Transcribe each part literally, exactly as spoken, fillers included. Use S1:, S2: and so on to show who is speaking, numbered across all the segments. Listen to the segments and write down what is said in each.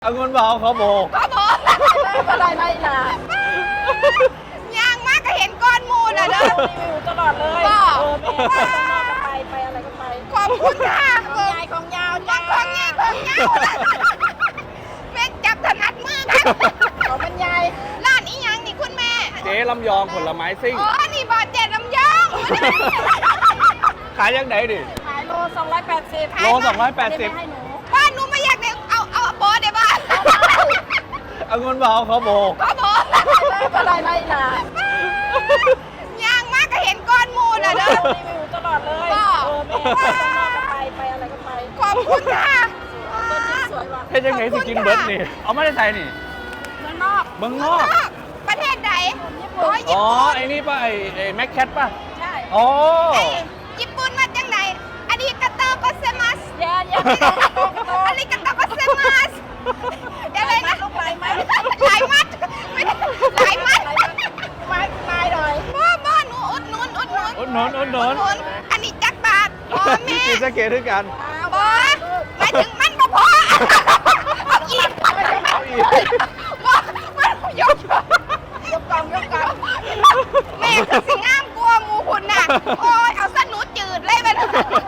S1: เอาเงินมาเอาเขาโบก
S2: เขาบอกอะไรไรล่ะย่างมากก็เห็นก้อนมูลอ่ะเด้อ
S3: รีวิวตลอดเลย
S2: ก็
S3: เออไปข้างนอกก็ไปไปอะไรก็ไป
S2: ขอบคุณค่ะ
S3: ของยายของยาวจ้า
S2: ของยายของยาวแม่จับถนัดมือกัน
S3: ของมันยาย
S2: ร้านอีหยังนี่คุณแม่
S1: เจ๊ลำยองผลไม้ซิ่ง
S2: อ๋อนี่บอดเจ็ดลำยอง
S1: ขายยังไงดิ
S3: ขายโลสองร้อยแปดสิบ
S1: โลสองร้อยแปดสิบ
S3: ให้หนู
S2: บ้านหนูไม่อยากได้เอาเอาโบอได้บ้าน
S1: เอาเงินมาเอาเขาโบก
S2: เขาบอก
S3: อะไรไรล่ะ
S2: ย่างมากก็เห็นก้อนมูลอ่ะเด้อ
S3: รีวิวตลอดเลย
S2: ก็
S3: เออไปข้างนอกก็ไปไปอะไรก็ไป
S2: ขอบคุณค่ะ
S3: ต้นจริงสวยว่ะ
S1: เฮ็ดยังไงสิกินเบิร์ดนี่เอาไม่ได้ใส่นี่
S3: เมืองนอก
S1: เมืองนอก
S2: ประเทศไหน
S3: ญี่
S2: อ๋
S3: ปุ่
S2: อน ญี่
S1: อ๋อ
S2: ปุ่น
S1: ไอ้นี่ป่ะไอ้ไอ้แม็กแคทป่ะ
S3: ใช่
S1: อ๋อ
S2: เอ้ยญี่ปุ่นมาจังไหนอาริกาโตโกเซมัส
S3: แย่แย่
S2: อาริกาโตโกเซมัสอะไรนะ
S3: ลูกลายไหม
S2: หลายมัดไม่ได้หลายมัด
S3: ไม้ไม้หน่อย
S2: บ้าบ้าหนูอุดหนุนอุดหนุน
S1: อุดหนุนอุดหนุน
S2: อุดอันนี้จักบาทอ๋อแม่
S1: กินสเกตด้วยกัน
S2: บอหมายถึงมันบ่พอเอาอีก
S1: เอาอีก
S2: บ่มันยก
S3: ยกกองยกกอง
S2: แม่คือสิงามกลัวหมูคุณน่ะโอ้ยเอาสนุจืดเลยไปเลย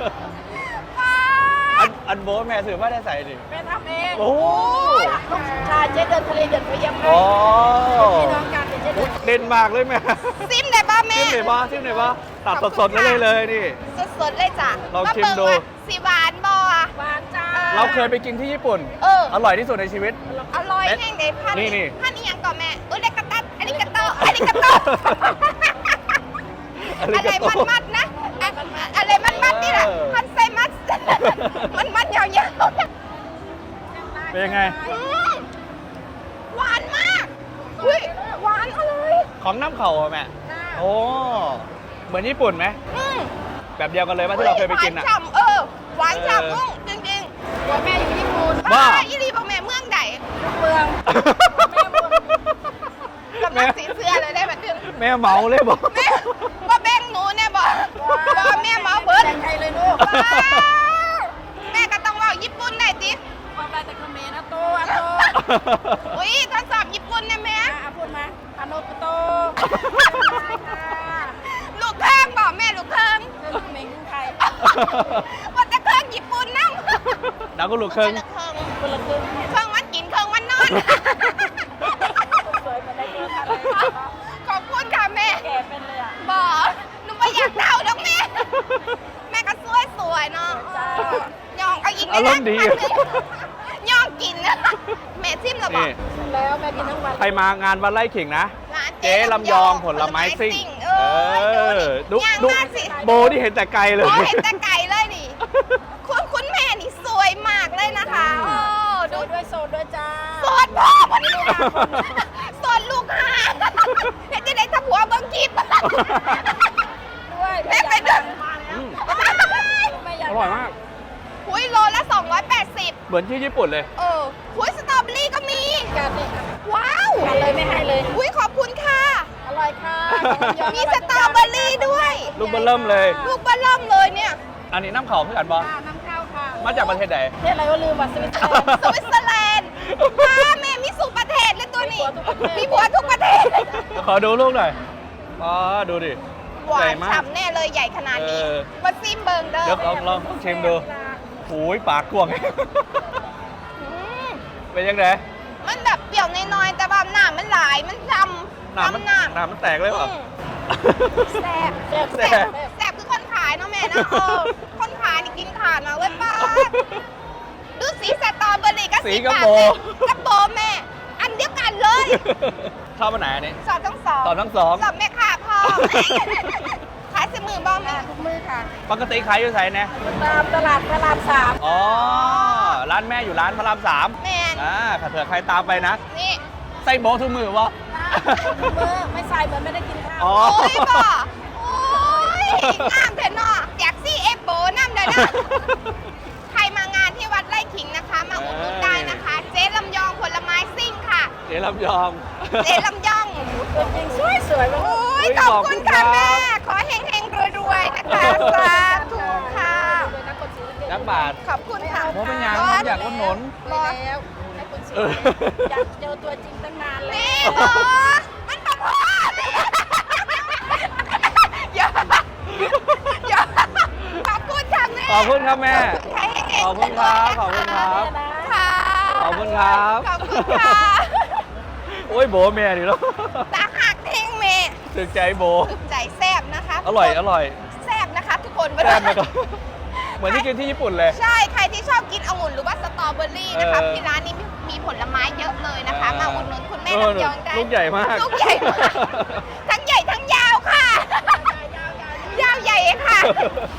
S1: อันอันโบทแม่ถือว่าได้ใส่ดิ
S3: แม่ทำเอง
S1: โอ้
S3: ลูกชายเจ๊เดินทะเลเดินไปเยี่ยม
S1: อ๋อ
S3: พี่น้องกันเจ๊เดิน
S1: เด่นมากเลยแม่
S2: ซิมได้ป่ะแม่
S1: ซิมไหนบ้าซิมไหนบ้าตัดสดๆเลยเลยนี่
S2: สดๆเลยจ้ะ
S1: ลองชิมดู
S2: าเบิ่งว่าสิหวานบ่อะ
S3: หวานจ้า
S1: เราเคยไปกินที่ญี่ปุ่น
S2: เออ
S1: อร่อยที่สุดในชีวิต
S2: อร่อยแห้งเด็ดพัน
S1: นี่นี่
S2: พันอีหยังก่อนแม่อุเลกาตัสอันนี้กาโตอันนี้กาโต อะไรมันมัดนะอะอะไรมันมัดนี่แหละพันไซมัดมันมัดยาวๆ
S1: เป็นยังไง
S2: อืมหวานมากอุ้ยหวานอร่อย
S1: ของน้ำเข่าอะแม่ โอ้ เหมือนญี่ปุ่นไหม
S2: อืม
S1: แบบเดียวกันเลยว่าที่เราเคยไปกิน
S2: หวา
S1: อ่ะ
S2: นฉ่ำเออหวาน
S1: เออ
S2: ฉ่ำนุ่งจริง
S3: ตัวแม่อยู่ญี่ปุ่น
S2: ๆ
S1: บ้า
S2: อ่อีรีบอกแม่เมืองใด
S3: เมือง
S2: กำลังสีเสื้อเลยได้แบบนึง
S1: แม่เมาเลยบอก
S2: แม่ว่าแบ่งหนูเนี่ยบอกบอกแม่เมาเบิร์ด
S3: แบ่งใครเลยลูก
S2: ว้าวแม่ก็ต้องว่าญี่ปุ่นได้ติ
S3: ความได้แต่คอมเมนต์อะโตอะโต
S2: อุ้ยทดสอบญี่ปุ่นนะแม่
S3: อ่ะพูดมาอาโนกุโต
S2: ลูกเครื่องบอกแม่ลูกเครื่อง
S3: เรื่องเมงไทย
S2: ว่าจะเครื่องญี่ปุ่นนั่ง
S1: ดาวก็ลูกครึ่ง
S2: คนละเครื่อง
S3: คนละครึ่ง
S2: เครื่องมันกินเครื่องมันนอน
S3: สวยมาได้เยอะค่ะ
S2: ขอบคุณค่ะแม่
S3: แก่เป็นเลยอ่ะ
S2: บอกหนูไม่อยากเดาแล้วแม่ แม่ก็สวยสวยๆเนาะ
S3: จ้า
S2: ย่องเอาอีก
S1: อารมณ์ดี
S2: ย่องกินนะแม่ซิมเหรอบอก
S1: นี่
S3: แล้วแม่กินทั้งวัน
S1: ใครมางานวันไล่ขิงนะ
S2: ร้าน
S1: เจ๊ลำยองผลไม้ซิ่ง
S2: เอ
S1: เอ
S2: อ
S1: อ
S2: ดู
S1: ดู
S2: ดิ
S1: ดู
S2: ย่างมากสิ
S1: โบที่เห็นแต่ไกลเลย
S2: โอ้เห็นแต่ไก่เลยนี่ คุณคุณแม่นี่สวยมากเลยนะคะโอ้
S3: โด
S2: ดู
S3: ยด้วยโซดด้วยจ้า
S2: สดพ่อคนนี้สดลูกหาเห็นจะได้ทับหัวเบิ้งคลิป
S3: ด้วย
S2: แม่ไปเดิน
S1: อืม
S3: ไม่อยาก
S1: อร่อยมาก
S2: หุยโลละสองร้อยแปดสิบ
S1: เหมือนที่ญี่ปุ่นเลย
S2: เออหุยสตรอเบอรี่ก็มี
S3: การนี่
S2: ว้าว
S3: กันเลยไม่ให้เลย
S2: หุยขอบคุณค่ะ
S3: อร่อยค่ะ
S2: มีสตรอเบอรี่ด้วย
S1: ลูกเบอร์เริ่มเลย
S2: ลูกบอลล่อมเลยเนี่ย
S1: อันนี้น้ำเขาคือกันบอ
S3: ค่ะน้ำข้าวค่ะ
S1: มาจากประเทศใด
S3: เทศอะไรก็ลืมว่ะสวิตเซอร์แลนด์
S2: สวิตเซอร์แลนด์ว้าแม่มีสุประเทศเลยตัวนี้ มี
S3: มี
S2: ผัวทุกประเทศ
S1: ขอดูลูกหน่อยอ๋อดูดิ
S2: หวา
S1: ใหญ่
S2: น
S1: มาก
S2: ฉ่ำแน่เลยใหญ่ขนาดนี้
S1: เออ
S2: มาซิมเบิงเด้อ
S1: เดี๋ยวลองลองชิมดูโอ้ยปากกวาง
S2: อืม
S1: เป็นยังไง
S2: มันแบบเปรี้ยวน้อยๆแต่ว่าหนามันหลายมันจำ
S1: หนามัน
S2: จำหนา
S1: หนามันแตกเลยเปล่ะ
S2: อืมแซ่บ
S3: แซ่บ
S1: แซ่
S3: แซ่
S1: บ
S3: บ
S2: แซ่บคือคนขายเนาะแม่นะเออคนขายนี่กินขาดมาเว้ยป้าดูสีสตรอเบอรี่กับ
S1: สี
S2: สี
S1: กระ
S2: ปา
S1: โป
S2: แม่กระโปรงแม่ อันเดียวกันเลย
S1: ชอบอันไหนอันนี้
S2: สอบทั้งสอง
S1: ตอบทั้งสอง
S2: สอบแม่ค่ะพ่อ ขายสิมือบ้างแม่
S3: ทุกมือค่ะ
S1: ปกติขายอยู่ไสเนี่ย
S3: ตามตลาดพระรามสาม
S1: อ๋อ ร้านแม่อยู่ร้านพระรามสาม
S2: แมน
S1: อ่าถ้าเผื่อใครตามไปนะ
S2: นี่
S1: ใส่โบะทุกมือวะ
S3: ทุกมือไม่ใส่เหมือนไม่ได้กินข้าว
S1: อ๋อ
S2: โอ้ยบ่โอ้ยงามเถอะเนาะอยากซี่เอฟโบน้ำเลยนะ ใครมางานที่วัดไร่ขิงนะคะ มาอุดหนุนได้นะคะ เจ๊ลำยองผลไม้ซิ่งค่ะ
S1: เจ๊ลำยอง
S2: เจ๊ลำยอง
S3: ตัวจริงสวยสวยๆมาก
S2: โอ้ย
S1: อุ๊ย
S2: ขอบคุณค่ะ
S1: ขอบคุณครับ
S2: แม่ ขอเฮงๆรวยๆนะคะสาธุค่ะ
S3: ด้วยนะคนสีเล็กๆ
S1: นักบาท
S2: ขอบคุณค่ะ
S1: เพราะเป็นอย่างผมอยากอุดหนุน
S3: ไปแล้วให้คนส
S1: เออ
S3: อยากเจอตัวจริงตั้งนานแล้
S2: นี่
S3: ว
S2: บอสมันประพออย่าอย่าขอบคุณค่ะแม่
S1: ขอบคุณครับแม่
S2: ใครให้เก่ง
S1: ขอบคุณครับขอบคุณครับ
S2: ค่ะ
S1: ขอบคุณครับ
S2: ขอบคุณค่ะ
S1: โอ้ยโบแม่ดิแล้ว
S2: ตาหักเท่งเมย์
S1: ถึกใจโบ
S2: ถึกใจแซ่บนะคะ
S1: อร่อยอร่อย
S2: แซ่บนะคะทุกคน
S1: แซ่บนะครับเหมือนที่กินที่ญี่ปุ่นเลย
S2: ใช่ ใครที่ชอบกินองุ่นหรือว่าสตรอเบอรี่นะคะ
S1: เออ
S2: ที่ร้านนี้มีมีผลไม้เยอะเลยนะคะ
S1: เออ
S2: มาอุดหนุนคุณแม่
S1: เออ
S2: ลำยองได้
S1: ลูกใหญ่มาก
S2: ลูกใหญ่มาก ทั้งใหญ่ทั้งยาวค่ะ ยาวใหญ่ค่ะ